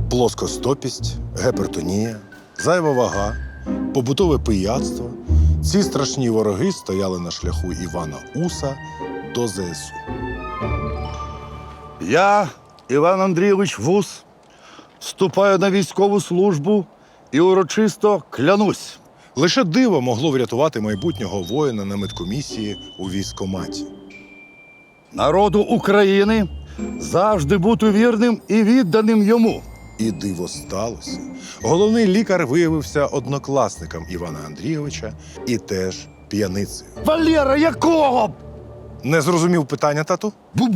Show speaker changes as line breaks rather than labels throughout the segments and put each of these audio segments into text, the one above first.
плоскостопість, гіпертонія, зайва вага, побутове пияцтво. Ці страшні вороги стояли на шляху Івана Уса до ЗСУ.
Я, Іван Андрійович Вус, вступаю на військову службу і урочисто клянусь.
Лише диво могло врятувати майбутнього воїна на медкомісії у військкоматі.
Народу України завжди бути вірним і відданим йому.
І диво сталося. Головний лікар виявився однокласником Івана Андрійовича і теж п'яницею.
Валера, якого?
Не зрозумів питання, тату?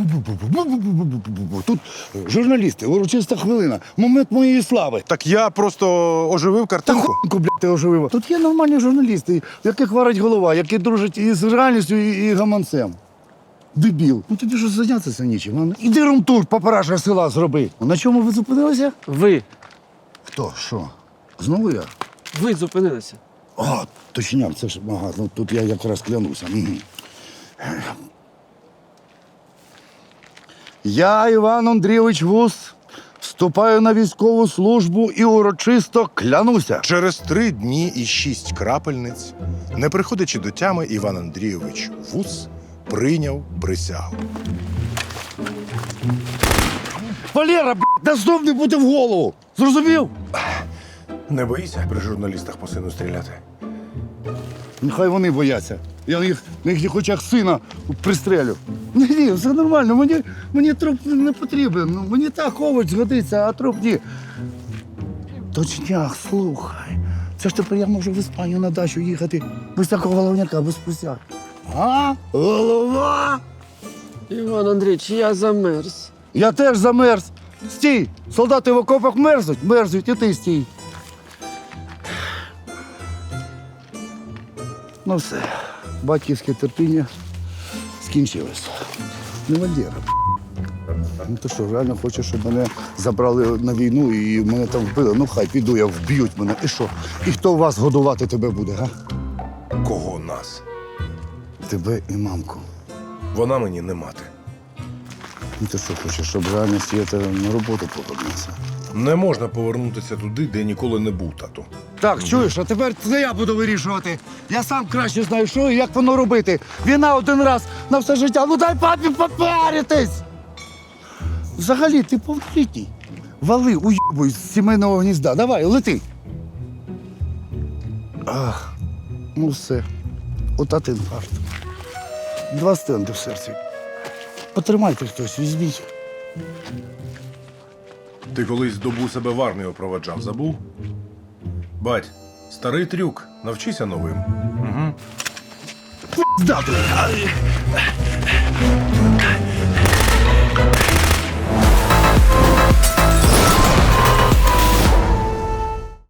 Тут журналісти, урочиста хвилина, момент моєї слави.
Так я просто оживив
Та
картинку.
хуйку, блядь, ти оживила. Тут є нормальні журналісти, в яких варить голова, які дружать із реальністю і гаманцем. Дебіл. Ну тобі ж зайнятися нічим. А? Іди румтур, папараша села зроби. На чому ви зупинилися?
Ви.
Хто? Що? Знову я?
Ви зупинилися.
А, точняк, це ж ага, ну тут я якраз клянуся. Я, Іван Андрійович Вус, вступаю на військову службу і урочисто клянуся.
Через 3 дні і 6 крапельниць, не приходячи до тями, Іван Андрійович Вус прийняв присягу.
Валера, да знов не буде в голову. Зрозумів?
Не боїся при журналістах по сину стріляти?
Нехай вони бояться. Я їх на їхніх очах сина пристрелю. Ні, все нормально, мені труп не потрібен. Ну, мені так овоч згодиться, а труп ні. Точняк, слухай. Це ж тепер я можу в Іспанію на дачу їхати без такого головняка, без присяг. А? Голова?
Іван Андрійович, я замерз.
Я теж замерз. Стій! Солдати в окопах мерзнуть, і ти стій. Ну все, батьківське терпіння скінчилось. Не Валера. Ну ти що, реально хочеш, щоб мене забрали на війну і мене там вбили? Ну хай піду, я вб'ють мене. І що? І хто вас годувати тебе буде, га?
Кого нас?
Тебе і мамку.
Вона мені не мати.
Ну ти що хочеш, щоб реально Свята на роботу повернувся?
Не можна повернутися туди, де ніколи не був, тату.
Так, чуєш, а тепер це я буду вирішувати. Я сам краще знаю, що і як воно робити. Війна один раз на все життя. Ну дай папі попаритись! Взагалі, ти повнолітній. Вали, уйобуй з сімейного гнізда. Давай, лети. Ах, ну все. Отат інфаркт. 2 стенди в серці. Потримайте хтось, візьміть.
Ти колись добу себе в армію проведжав, забув? Бать, старий трюк, навчися новим. Угу.
Здати.